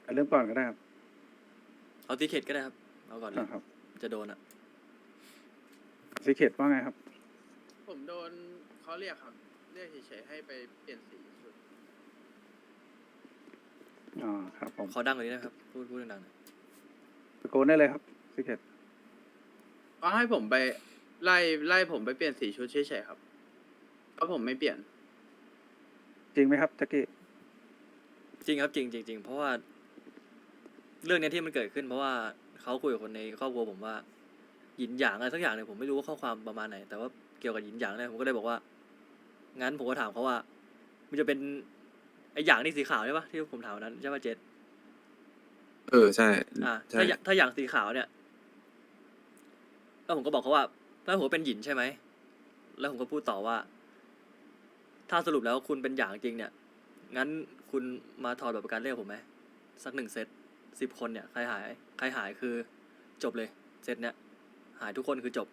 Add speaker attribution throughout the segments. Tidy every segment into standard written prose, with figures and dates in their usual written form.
Speaker 1: เริ่มก่อนก็ได้ครับ
Speaker 2: เอาตีเขตก็ได้ครับเอาก่อนเลย
Speaker 1: ครับ
Speaker 2: จะโดนอ่ะ
Speaker 1: ซีเคทว่าไงครับ
Speaker 3: ผมโดนเขาเรียกครับ เรียกเฉยๆให้ไปเปลี่ยนสีชุด
Speaker 1: อ๋อครับผม
Speaker 2: ขอดังกว่านี้นะครับพูดดังๆหน่อย
Speaker 1: ตะโกนได้เลยครับซีเคท
Speaker 3: ก็ให้ผมไปไล่ผมไปเปลี่ยนสีชุดเฉยๆครับเพราะผมไม่เปลี่ยน
Speaker 1: จริงไหมครับแจ็คกี้
Speaker 2: จริงครับจริงเพราะว่าเรื่องเนี้ยที่มันเกิดขึ้นเพราะว่าเขาคุยกับคนในครอบครัวผมว่าหยินหยางอะไรสักอย่างเนี่ยผมไม่รู้ว่าข้อความประมาณไหนแต่ว่าเกี่ยวกับหยินหยางเนี่ยผมก็เลยบอกว่างั้นผมก็ถามเขาว่ามันจะเป็นไอ้หยางนี่สีขาวใช่ปะที่ผมถามวันนั้นใช่ปะเจษ
Speaker 4: ใช่ใช่
Speaker 2: ถ้าหยางสีขาวเนี่ยแล้วผมก็บอกเขาว่าถ้าผมเป็นหยินใช่ไหมแล้วผมก็พูดต่อว่า ถ้าสรุปแล้วคุณเป็นหยางจริงเนี่ยงั้นคุณมาถอดบัตรประกันเรียกผมไหมสัก1 เซต10 คนเนี่ยใครหายคือจบเลยเซตเนี่ยหายทุกคนคือจบ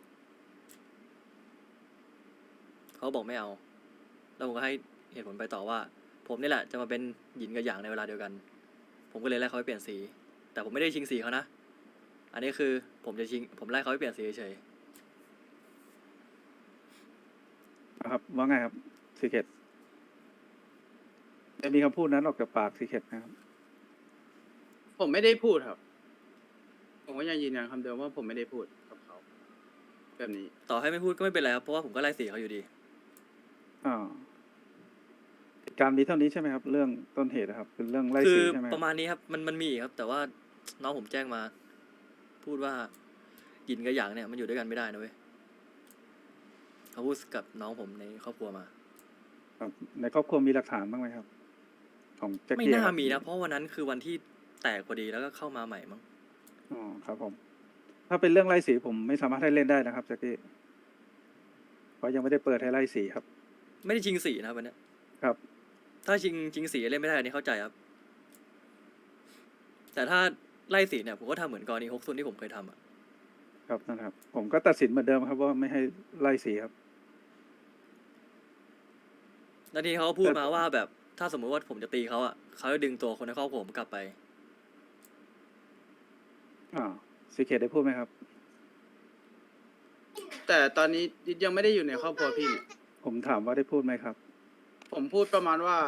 Speaker 2: เขาบอกไม่เอาแล้วผมก็ให้เหตุผลไปต่อว่า ผมนี่แหละจะมาเป็นหยินกับหยางในเวลาเดียวกัน ผมก็เลยไล่เขาไปเปลี่ยนสี แต่ผมไม่ได้ชิงสีเขานะอันนี้คือผมไล่เขาไปเปลี่ยนสีเฉย
Speaker 1: ครับว่าไงครับซีเคทจะมีคำพูดนั้นออกจากปากซีเคทนะครับ
Speaker 3: ผมไม่ได้พูดครับ ผมก็ยังยืนยันคำเดิมว่าผมไม่ได้พูดกับเขาแบบนี้
Speaker 2: ต่อให้ไม่พูดก็ไม่เป็นไรครับเพราะว่าผมก็ไล่สีเขาอยู่ดี
Speaker 1: อ่าเหตุการณ์มีเท่านี้ใช่ไหมครับ เรื่องต้นเหตุนะครับเป็นเรื่องไล่
Speaker 2: คื
Speaker 1: สี
Speaker 2: อ
Speaker 1: ใช่ไหมค
Speaker 2: ป
Speaker 1: รับ
Speaker 2: ระมาณนี้ครับมันมีอีกครับ แต่ว่าน้องผมแจ้งมา พูดว่าหยินกับหยางเนี่ยมันอยู่ด้วยกันไม่ได้นะเว้ยเขาพูดกับน้องผมในครอบครัวมา
Speaker 1: ครับในครอบครัวมีหลักฐานบ้างไหมครับ ของแจ็ค
Speaker 2: ไม่
Speaker 1: กี้
Speaker 2: น่า
Speaker 1: ครับ
Speaker 2: มีนะเพราะวันนั้นคือวันที่แตกพอดีแล้วก็เข้ามาใหม่มั้ง
Speaker 1: อ๋อครับผม ถ้าเป็นเรื่องไล่สีผมไม่สามารถให้เล่นได้นะครับแจ็คกี้เพราะยังไม่ได้เปิดให้ไล่สีครับ
Speaker 2: ไม่ได้ชิงสีนะครับวันเนี้ย
Speaker 1: ครับ
Speaker 2: ถ้าชิงสีเล่นไม่ได้อันนี้เข้าใจครับ แต่ถ้าไล่สีเนี่ยผมก็ทำเหมือนกรณี6 ซุนที่ผมเคยทำอ่ะ
Speaker 1: ครับนั่นครับ ผมก็ตัดสินเหมือนเดิมครับว่าไม่ให้ไล่สีครับ
Speaker 2: แล้วทีนี้เขาก็พูดมาว่าแบบถ้าสมมุติว่าผมจะตีเขาอ่ะเขาจะดึงตัวคนในครอบครัวผมกลับไป
Speaker 1: อ่าซีเคทได้พูดไหมครับ
Speaker 3: แต่ตอนนี้ดิดยังไม่ได้อยู่ในครอบครัวพี่เนี่ย
Speaker 1: ผมถามว่าได้พูดไหมครับ
Speaker 3: ผมพูดประมาณว่า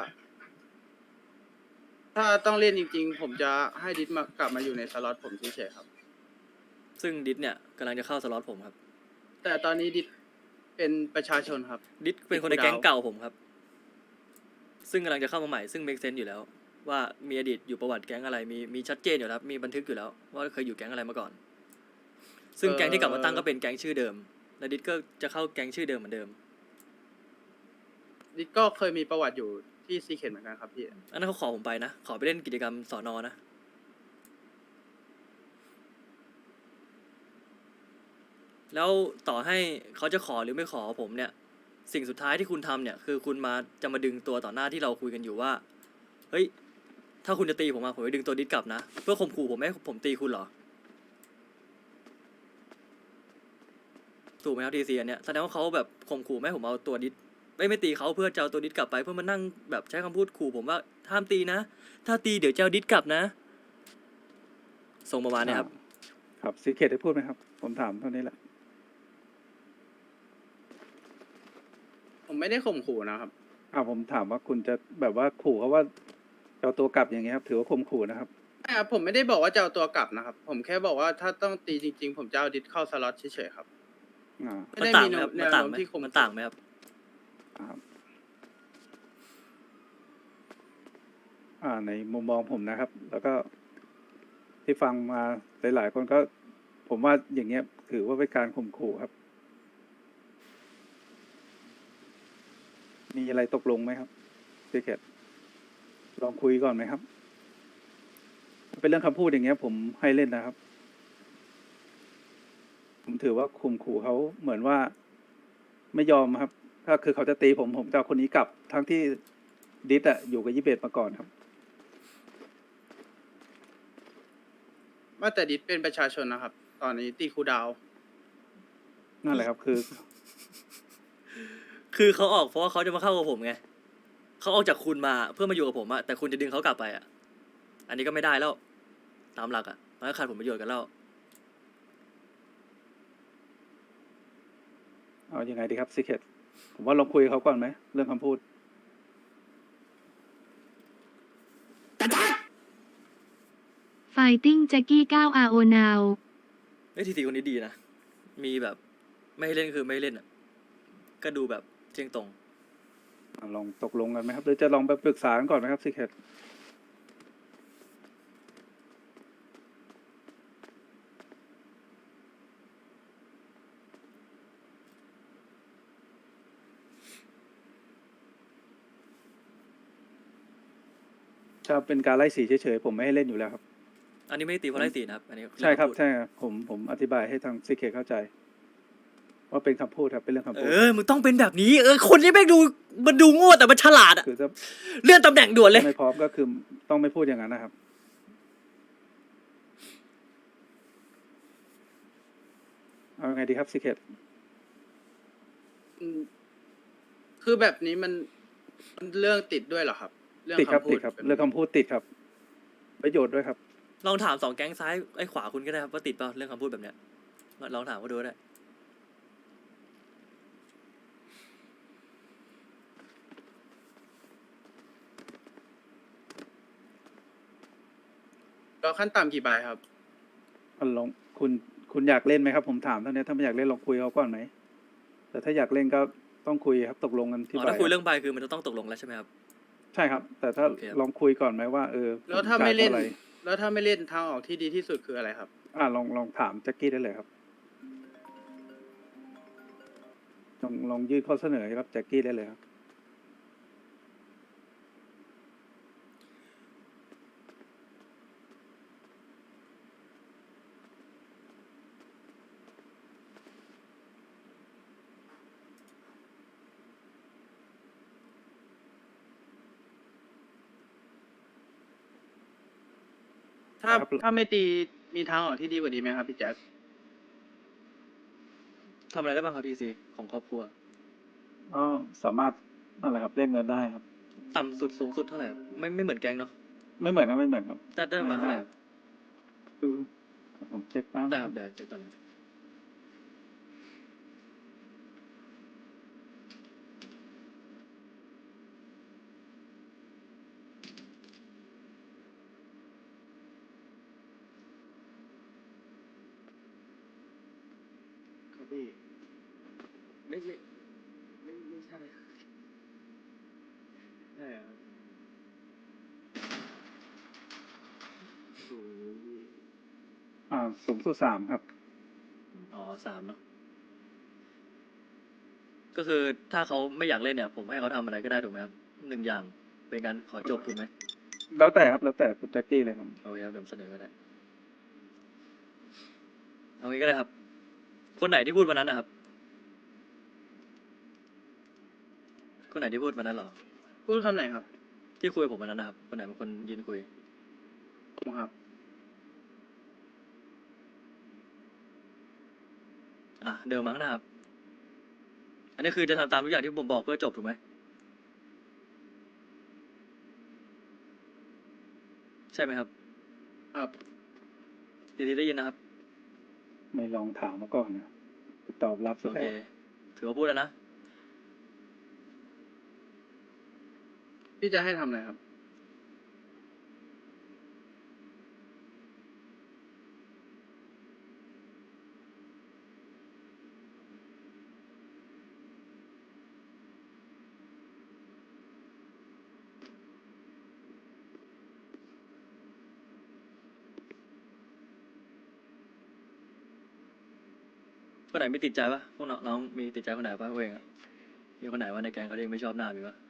Speaker 3: ถ้าต้องเล่นจริง ๆ ผมจะให้ดิดกลับมาอยู่ในสล็อตผมเฉยๆครับ
Speaker 2: ซึ่งดิสเนี่ยกำลังจะเข้าสล็อตผมครับ
Speaker 3: แต่ตอนนี้ดิดเป็นประชาชนครับ
Speaker 2: ดิสเป็นคนในแก๊งเก่าผมครับ ซึ่งกำลังจะเข้ามาใหม่ซึ่งเมคเซน อยู่แล้ว ว่ามีอดีตอยู่ประวัติแก๊งอะไรมีชัดเจนอยู่แล้วมีบันทึกอยู่แล้ว ว่าเคยอยู่แก๊งอะไรมาก่อน ซึ่งแก๊งที่กลับมาตั้งก็เป็นแก๊งชื่อเดิม และดิสก็จะเข้าแก๊งชื่อเดิมเหมือนเดิม
Speaker 3: ดิดก็เคยมีประวัติอยู่ที่ซีเคทเหมือนกันครับพี่
Speaker 2: อันนั้นเขาขอผมไปนะ ขอไปเล่นกิจกรรมสอนอนะ แล้วต่อให้เขาจะขอหรือไม่ขอผมเนี่ย สิ่งสุดท้ายที่คุณทำเนี่ย คือคุณจะมาดึงตัวต่อหน้าที่เราคุยกันอยู่ว่า เฮ้ย ถ้าคุณจะตีผมมาผมจะดึงตัวดิสกลับนะ เพื่อข่มขู่ผมไม่ให้ผมตีคุณเหรอ ถูกไหมครับทีซีอันเนี้ยแสดงว่าเขาแบบข่มขู่ไม่ให้ผมเอาตัวดิสไม่ตีเขาเพื่อจะเอาตัวดิสกลับไปเพื่อมานั่งแบบใช้คำพูดขู่ผมว่าห้ามตีนะ ถ้าตีเดี๋ยวจะเอาดิสกลับนะส่งประมาณเนี้ยครับ
Speaker 1: ครับซีเคทได้พูดไหมครับ ผมถามเท่านี้แหละ
Speaker 3: ผมไม่ได้ข่มขู่นะครับ
Speaker 1: ผมถามว่าคุณจะแบบว่าขู่เขาว่าจะเอาตัวกลับอย่างเงี้ยครับ ถือว่าข่มขู่นะครับ
Speaker 3: ไม่ครับผมไม่ได้บอกว่าจะเอาตัวกลับนะครับ ผมแค่บอกว่าถ้าต้องตีจริง ๆ ผมจะเอาดิดเข้าสล็อตเฉยๆครับ
Speaker 1: อ่า
Speaker 3: ไม่
Speaker 2: มัน
Speaker 3: ได้
Speaker 2: ต่าง
Speaker 3: มี
Speaker 2: ไหมครับ
Speaker 3: แน
Speaker 2: มัน
Speaker 3: ว
Speaker 2: ต่าง
Speaker 3: โน้ม
Speaker 2: ไหม
Speaker 3: ที่ข่ม
Speaker 2: มัน
Speaker 3: ขู่
Speaker 2: ต่างไหมครับ
Speaker 1: ครับในมุมมองผมนะครับ แล้วก็ที่ฟังมาหลายๆคนก็ ผมว่าอย่างเงี้ย ถือว่าเป็นการข่มขู่ครับ มีอะไรตกลงไหมครับซีเคทลองคุยก่อนไหมครับถ้าเป็นเรื่องคำพูดอย่างเงี้ย ผมให้เล่นนะครับ ผมถือว่าข่มขู่เขาเหมือนว่าไม่ยอมครับ ถ้าคือเขาจะตีผมจะเอาคนนี้กลับ ทั้งที่ดิสอยู่กับ21มาก่อนครับ
Speaker 3: ว่าแต่ดิดเป็นประชาชนนะครับ ตอนนี้ตีครูดาว
Speaker 1: นั่นแหละครับ คือ
Speaker 2: คือเขาออกเพราะว่าเขาจะมาเข้ากับผมไงเขาออกจากคุณมาเพื่อมาอยู่กับผมอะแต่คุณจะดึงเขากลับไปอะอันนี้ก็ไม่ได้แล้วตามหลักอ่ะมันก็ขาดผลประโยชน์กันแล้ว
Speaker 1: เอายังไงดีครับซีเคทผมว่าลองคุยกับเขาก่อนไหมเรื่องคำพูด
Speaker 5: Fighting Jackie 9 RO Now
Speaker 2: เฮ้ยทีทีคนนี้ดีนะมีแบบไม่ให้เล่นคือไม่ให้เล่นอ่ะก็ดูแบบเที่ยงตรง
Speaker 1: ลองตกลงกันไหมครับหรือจะลองไปปรึกษากันก่อนไหมครับซีเคท ถ้าเป็นการไล่สีเฉยๆผมไม่ให้เล่นอยู่แล้วครับ
Speaker 2: อันนี้ไม่ได้ตีเพราะไล่สีนะครับอันนี้
Speaker 1: ใช่ครับ
Speaker 2: เองำพูด
Speaker 1: ใช่ครับผมอธิบายให้ทางซีเคเข้าใจ ว่าเป็นคำพูดครับเป็นเรื่องคำพูด
Speaker 2: มึงต้องเป็นแบบนี้คนนี้แม่งดูมันดูโง่แต่มันฉลาดอ่ะ
Speaker 1: คือถ้า
Speaker 2: เลื่อนตำแหน่งด่วนเลย
Speaker 1: ไม่พร้อมก็คือต้องไม่พูดอย่างนั้นนะครับ เอาไงดีครับซีเคท
Speaker 3: อืมคือแบบนี้มันเรื่องติดด้วยเหรอครับ เรื่อง
Speaker 1: ติดครับ
Speaker 3: คำพู
Speaker 1: ติ
Speaker 3: ด
Speaker 1: ดครับ
Speaker 3: แบบนี้
Speaker 1: เรื่องคำพูดติดครับ ประโยชน์ด้วยครับ
Speaker 2: ลองถาม2 แก๊งซ้ายไอ้ขวาคุณก็ได้ครับว่าติดเปล่าเรื่องคำพูดแบบเนี้ยลองถามเขาดูก็ได้
Speaker 3: แล้วขั้นต่ำกี่ใบครับ
Speaker 1: ลองคุณอยากเล่นไหมครับ ผมถามเท่านี้ถ้าไม่อยากเล่นลองคุยเขาก่อนไหมแต่ถ้าอยากเล่นก็ต้องคุยครับตกลงกันที่
Speaker 2: อ๋อ
Speaker 1: ใบ
Speaker 2: ถ้าคุยเรื่องใบคือมันจะต้องตกลงแล้วใช่ไหมครับ
Speaker 1: ใช่ครับ แต่ถ้า
Speaker 2: โอเคครับ
Speaker 1: ลองคุยก่อนไหมว่า
Speaker 3: แล้วถ้าไม่เล่น
Speaker 1: ผจ่ยท่หร่
Speaker 3: แล้วถ้าไม่เล่นทางออกที่ดีที่สุดคืออะไรครับ
Speaker 1: ลองถามแจ็คกี้ได้เลยครับลองยื่นข้อเสนอให้กับแจ็คกี้ได้เลยครับ
Speaker 3: ถ้า
Speaker 1: ครับ
Speaker 3: ถ้าไม่ตีมีทางออกที่ดีกว่านี้ไหมครับพี่แจ๊ค
Speaker 2: ทำอะไรได้บ้างครับทีซีของครอบครัว
Speaker 1: ก็สามารถนั่นแหละครับเรียกเงินได้ครับ
Speaker 2: ต่ำสุดสูงสุดเท่าไหร่ครับไม่เหมือนแก๊งเนาะ
Speaker 1: ไม่เหมือนครับไม่เหมือนครับ
Speaker 2: ได้ประมาณเท่าไหร่ครับ
Speaker 1: คือผมเช็คแป๊บ
Speaker 2: ได้ครับเดี๋ยวเช็คตอนนี้
Speaker 3: ครับพี่
Speaker 2: ไม่ใช่ใช่ใช่ครับ
Speaker 1: สูงสุด3ครับ
Speaker 2: อ๋อ3เนาะก็คือถ้าเขาไม่อยากเล่นเนี่ย ผมให้เขาทำอะไรก็ได้ถูกไหมครับ1 อย่างเป็นการขอจบถูกไหม
Speaker 1: แล้วแต่ครับแล้วแต่คุณแจ็คกี้เลยครับ
Speaker 2: โอเคครับเดี๋ยวผมเสนอก็ได้เอางี้ก็ได้ครับ คนไหนที่พูดวันนั้นนะครับ คนไหนที่พูดวันนั้นเหรอ
Speaker 3: พูดคำไหนครับ
Speaker 2: ที่คุยกับผมวันนั้นนะครับ คนไหนเป็นคนยืนคุย
Speaker 3: ผมครับ
Speaker 2: เดิมมั้งนะครับ อันนี้คือจะทำตามทุกอย่างที่ผมบอกเพื่อจบถูกไหม ใช่ไหมครับ
Speaker 3: ครับ
Speaker 2: ทีได้ยินนะครับ
Speaker 1: ไม่ลองถามมาก่อนนะตอบรับ
Speaker 2: โอ
Speaker 1: แล้
Speaker 2: เค
Speaker 1: ว
Speaker 2: ถือว่าพูดแล้วนะ
Speaker 3: พี่จะให้ทำอะไรครับ
Speaker 2: คนไหนไม่ติดใจปะพวกน้องมีติดใจคนไหนปะพวกเองอะมีคนไหนว่าในแก๊งเขาเองไม่ชอบหน้ามีปะ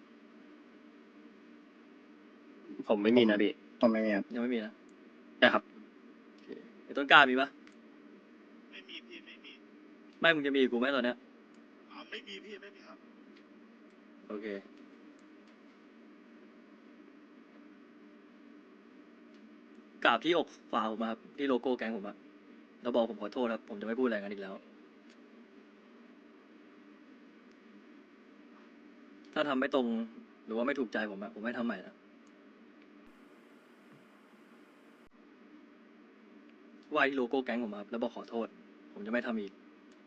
Speaker 6: ผมไม่มีนะพี่
Speaker 4: ผมไม่มีครับ
Speaker 2: ยังไม่มีนะ
Speaker 6: ใช่ครับ
Speaker 2: โอเคไอ้ต้นกล้ามีปะ
Speaker 7: ไม่มีพี่ไม่มี
Speaker 2: ไม่มึงจะมีกับกูไหมตอนเนี้ย
Speaker 7: ไม่มีพี่ไม่มีครับ
Speaker 2: โอเคกราบที่อกฝ่าผมอะครับที่โลโก้แก๊งผมอะแล้วบอกผมขอโทษครับ ผมจะไม่พูดอะไรกันอีกแล้ว ถ้าทำไม่ตรงหรือว่าไม่ถูกใจผมอะผมไม่ทำใหม่นะไหว้ที่โลโก้แก๊งผมครับแล้วบอกขอโทษ ผมจะไม่ทำอีก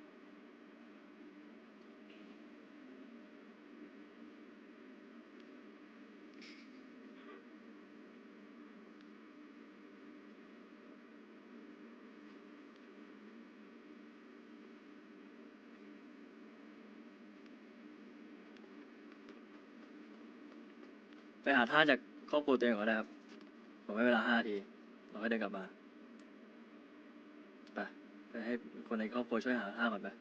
Speaker 2: ไปหาท่าจากครอบครัวตัวเองก่อนนะครับ ผมให้เวลา5 นาที เราให้เดินกลับมา ไปให้คนในครอบครัวช่วยหาท่าก่อนไป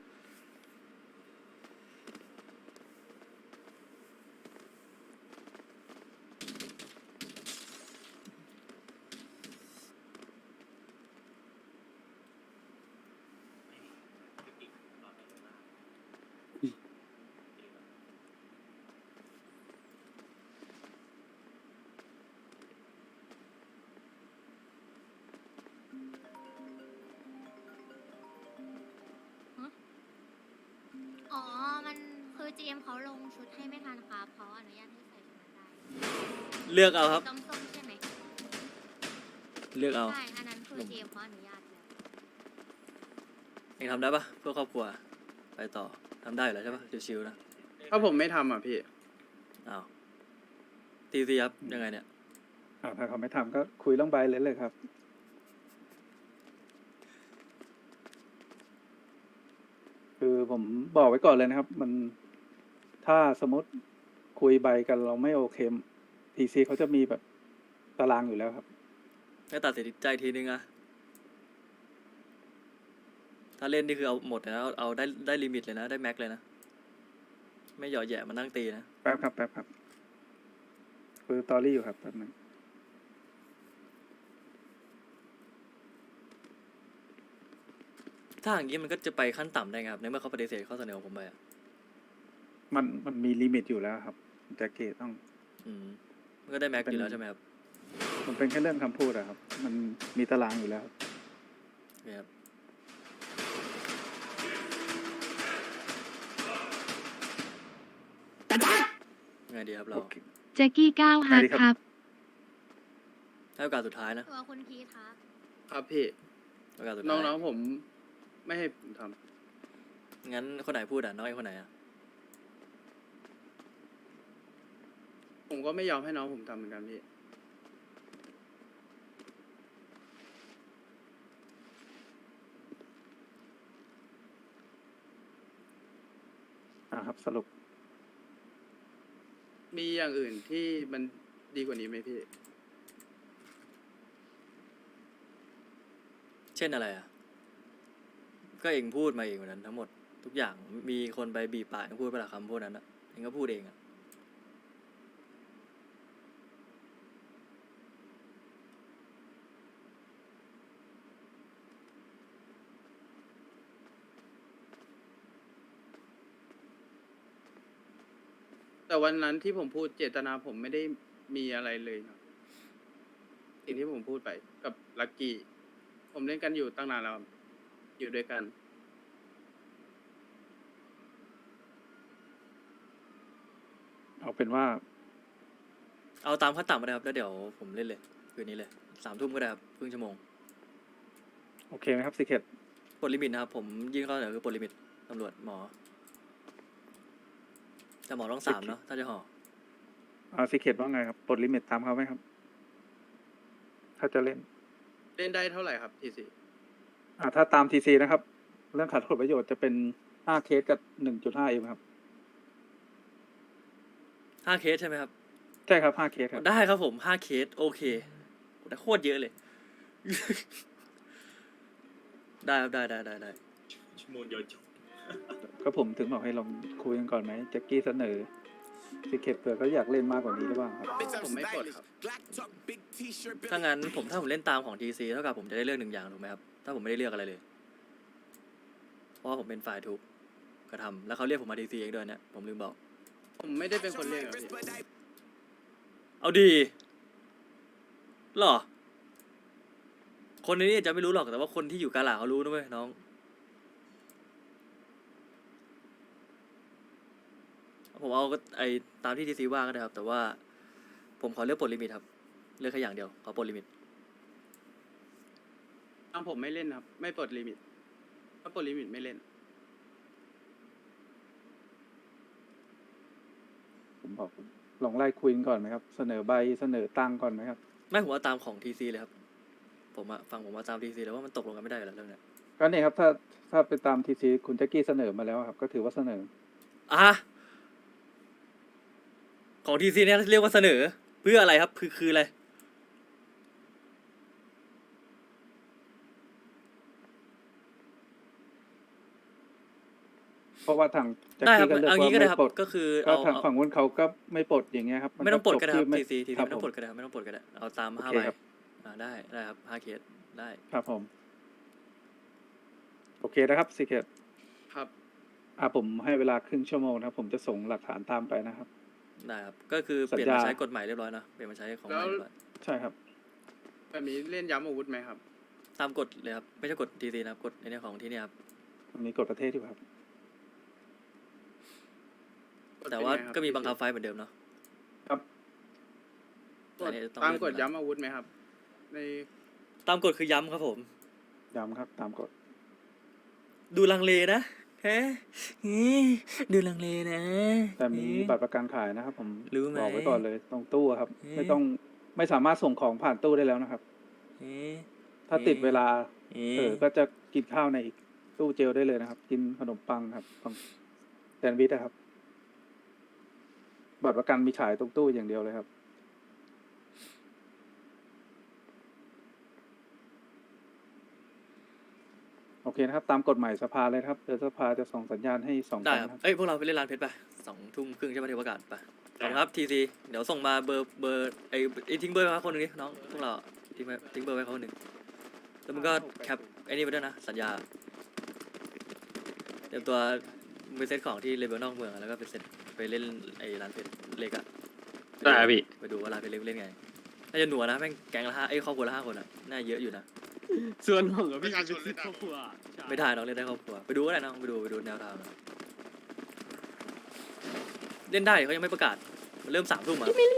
Speaker 8: อ๋อ มันคือ GM เขาลงชุดให้ไม่ทันครับเขาอนุญาตให้ใส่ชุดนั้นได้
Speaker 2: เลือกเอาครับ
Speaker 8: ส้มๆใช่ไหม
Speaker 2: เลือกเอา
Speaker 8: ใช่ อันนั้นคือ GM เขาอนุญาตแล้ว
Speaker 2: เองทำได้ปะเพื่อครอบครัว ไปต่อทำได้อยู่แล้วใช่ปะชิวๆนะ
Speaker 3: ถ้าผมไม่ทำอ่ะพี่
Speaker 2: อ้าวทีซีครับยังไงเนี่ย
Speaker 1: ถ้าเขาไม่ทำก็คุยเรื่องใบเลยครับ คือผมบอกไว้ก่อนเลยนะครับ มันถ้าสมมติคุยใบกันเราไม่โอเคทีซีเขาจะมีแบบตารางอยู่แล้วครับ
Speaker 2: ให้ตัดสินใจทีนึงอะถ้าเล่นนี่คือเอาหมดเลยนะเอาได้ลิมิตเลยนะ ได้แม็กเลยนะ ไม่หย่อแหย่มานั่งตีนะ
Speaker 1: แป๊บครับคือตอรี่อยู่ครับแป๊บนึง
Speaker 2: ถ้าอย่างนี้มันก็จะไปขั้นต่ำได้ไงครับในเมื่อเขาปฏิเสธข้อเสนอของผมไปอะ
Speaker 1: มันมีลิมิตอยู่แล้วครับแต่เกตต้อง
Speaker 2: มันก็ได้แม็กอยู่แล้วใช่ไหมครับ
Speaker 1: มันเป็นแค่เรื่องคำพูดอะครับ มันมีตารางอยู่แล้ว
Speaker 2: โอเคครับ ไงดีครับเรา
Speaker 1: โอเค
Speaker 5: แจ็กกี้ก้าวฮาร์ด
Speaker 1: สวัสดี
Speaker 5: ค
Speaker 1: ครั
Speaker 5: รับ บ
Speaker 2: ให้โอกาสสุดท้ายนะ
Speaker 8: ตัวคุณพีทครับ
Speaker 3: ครับพี่
Speaker 2: โอกาสสุดท้าย
Speaker 3: น้องๆผมไม่ให้ผมท
Speaker 2: งั้นคนไหนพูดอ่ะน้องไอ้คนไหนอ่ะ
Speaker 3: ำผมก็ไม่ยอมให้น้องผมทำเหมือนกันพี่
Speaker 1: ครับสรุป
Speaker 3: มีอย่างอื่นที่มันดีกว่านี้ไหมพี่
Speaker 2: เช่นอะไรอ่ะ ก็เองพูดมาเองวันนั้นทั้งหมดทุกอย่างมีคนไปบีบปากเองพูดไปละคำพูดนั้นอ่ะเองก็พูดเองอ่ะ
Speaker 3: แต่วันนั้นที่ผมพูดเจตนาผมไม่ได้มีอะไรเลยนะสิ่งที่ผมพูดไปกับลักกี้ ผมเล่นกันอยู่ตั้งนานแล้วครับอยู่ด้วยกัน
Speaker 1: เอาเป็นว่า
Speaker 2: เอาตามขั้นต่ำมาเลยครับแล้วเดี๋ยวผมเล่นเลยคืนนี้เลย3 ทุ่มก็ได้ครับครึ่งชั่วโมง
Speaker 1: โอเคไหมครับสิเคต
Speaker 2: ปลดลิมิตนะครับผมยื่นข้อเสนอคือปลดลิมิตตำรวจหมอแต่หมอต้อง3เนาะถ้าจะห่อ
Speaker 1: สิเคตว่าไงครับปลดลิมิตตามเขาไหมครับ ถ้าจะเล่น
Speaker 3: เล่นได้เท่าไหร่ครับทีซี
Speaker 1: ถ้าตามทีซีนะครับ เรื่องขัดผลประโยชน์จะเป็น5 เคสกับ 1.5 เอ็มครับ
Speaker 2: 5 เคสใช่ไหมครับ
Speaker 1: ใช่ครับ5 เคสครับ
Speaker 2: ได้ครับผม5 เคสโอเคแต่โคตรเยอะเลย ได้ครับได้
Speaker 7: ชั่วโมงเดียวจบ
Speaker 1: ก็ผมถึงบอกให้ลองคุยกันก่อนไหมแจ็คกี้เสนอสิเคตเผื่อเขาอยากเล่นมากกว่านี้หรือเปล่าครับ
Speaker 3: ผมไม่กดครับ
Speaker 2: ถ้างั้นถ้าผมเล่นตามของ TC เท่ากับผมจะได้เลือก1 อย่างถูกไหมครับถ้าผมไม่ได้เลือกอะไรเลย เพราะว่าผมเป็นฝ่ายถูกกระทำแล้วเขาเรียกผมมา TC เองด้วยเนี่ยผมลืมบอก
Speaker 3: ผมไม่ได้เป็นคนเล่นครับพี่
Speaker 2: เอาดีเหรอ คนในนี้อาจจะไม่รู้หรอกแต่ว่าคนที่อยู่กาลาเขารู้นะเว้ยน้อง ผมเอาก็ไอตามที่ TC ว่าก็ได้ครับ แต่ว่าผมขอเลือกปลดลิมิตครับ เลือกแค่อย่างเดียวขอปลดลิมิต
Speaker 3: ผมไม่เล่นครับ ไม่ปลดลิมิตถ้าปลดลิมิตไม่เล่น
Speaker 1: ผมบอกลองไล่คุยกันก่อนไหมครับ เสนอใบเสนอตังค์ก่อนไหมครับ
Speaker 2: ไม่ผมว่าตามของทีซีเลยครับผมอะฟังผมว่าตามทีซีแล้วว่ามันตกลงกันไม่ได้อยู่แล้วเรื่องเนี้ย
Speaker 1: ก็เนี่ยครับถ้าไปตามทีซีคุณแจ็คกี้เสนอมาแล้วครับ ก็ถือว่าเสนอ
Speaker 2: อ่ะของทีซีเนี่ยเรียกว่าเสนอเพื่ออะไรครับคืออะไร
Speaker 1: เพราะว่าทางแจ็ค
Speaker 2: ได้ครั
Speaker 1: กี้
Speaker 2: บ
Speaker 1: ก็เลือก
Speaker 2: เอา
Speaker 1: ว่า
Speaker 2: งี้ก็ได้
Speaker 1: ไม่
Speaker 2: ครับ
Speaker 1: ปลด
Speaker 2: ก็คือ
Speaker 1: ก็
Speaker 2: เอา
Speaker 1: ทางฝั่งนู้นเขาก็ไม่ปลดอย่างเงี้ยครับน
Speaker 2: ไม่ต้องปลดก็ได้ครับ
Speaker 1: จ
Speaker 2: ทีซี
Speaker 1: ครับ
Speaker 2: ไม่ต้อง
Speaker 1: ผ
Speaker 2: ปลดก็ได้ครับไม่ต้องปลดก็ได้เอาตาม
Speaker 1: โอ
Speaker 2: ห้า
Speaker 1: เค
Speaker 2: ใบ
Speaker 1: ครับ
Speaker 2: ได้ครับ5 เคสได้
Speaker 1: ครับผม โอเคนะครับสิเกต
Speaker 3: ครับ
Speaker 1: ผมให้เวลาครึ่งชั่วโมงนะครับ ผมจะส่งหลักฐานตามไปนะครับ
Speaker 2: ได้ครับก็คือ
Speaker 1: สั
Speaker 2: เป
Speaker 1: ญ
Speaker 2: ลี่ยน
Speaker 1: ญา
Speaker 2: มาใช้กฎใหม่เรียบร้อยเนอะเปลี่ยนมาใช้ของใหม่เรียบร้อย
Speaker 1: ใช่ครับ
Speaker 3: แบบนี้เล่นย้ำอาวุธไหมครับ
Speaker 2: ตามกฎเลยครับไม่ใช่กฎทีซีนะครับกฎในเรื่องของที่เนี่ยครับ
Speaker 1: มันมีกฎประเทศอยู่ครับ
Speaker 2: แต่ว่า
Speaker 3: เป็นไงครับ
Speaker 2: ก็มีบังคับไฟล์เหมือนเดิมเนาะ
Speaker 1: ครับ
Speaker 3: กฎ
Speaker 2: อันนี้ต้อง
Speaker 3: ตาม
Speaker 2: เลื่อน
Speaker 3: กฎ
Speaker 2: เวลา
Speaker 3: ย้ำอาวุธไหมครับ ใน
Speaker 2: ตามกฎคือย้ำครับผม
Speaker 1: ย้ำครับ ตามกฎ
Speaker 2: ดูลังเลนะฮะดูลังเลนะ
Speaker 1: แต่มีบัตรประกันขายนะครับ ผม
Speaker 2: รู้ไหม
Speaker 1: บอกไว้ก่อนเลยตรงตู้อะครับ
Speaker 2: เอ๊ะ
Speaker 1: ไม่สามารถส่งของผ่านตู้ได้แล้วนะครับ ถ้าติดเวลา ก็จะกินข้าวในอีกตู้เจลได้เลยนะครับ กินขนมปังครับของแซนด์วิชนะครับ บัตรประกันมีขายตรงตู้อย่างเดียวเลยครับ โอเคนะครับ ตามกฎหมายสภาเลยครับเดี๋ยวสภาจะส่งสัญญาณให้2
Speaker 2: ได้
Speaker 1: ครั้ง
Speaker 2: ครับ
Speaker 1: นะครับ
Speaker 2: เอ้ยพวกเราไปเล่นร้านเพชรไป20:30ใช่ไหมที่ประกาศไปขอบคุณครับทีซีเดี๋ยวส่งมาเบอร์ไอ้ทิ้งเบอร์ไว้ให้คนหนึ่งดิน้องพวกเราทิ้งเบอร์ไว้เขาคนหนึ่งแล้วมึงก็แคปไอ้นี่ไปด้วยนะสัญญาเตรียมตัวไปเซตของที่เลเวลนอกเมืองอะแล้วก็ไปเซตไปเล่นไอ้ร้านเพชรเล็กอะ
Speaker 6: ได้ครับพี่
Speaker 2: ไปดูว่าร้านเพชรเล็กเล่นไงน่าจะหนัวนะแม่งแก๊งละ5ครอบครัวละ5 คนอะน่าเยอะอยู่นะ
Speaker 6: ส่วนของกับ
Speaker 7: ประ
Speaker 6: พี่
Speaker 7: ชาชนเล่น
Speaker 6: ครอบครัว
Speaker 2: ไม่ถ่ายน้องเล่นได้ครอบครัวไปดูก็ได้น้องไปดูแนวทางเล่นได้เขายังไม่ประกาศมันเริ่ม3 ทุ่มอะ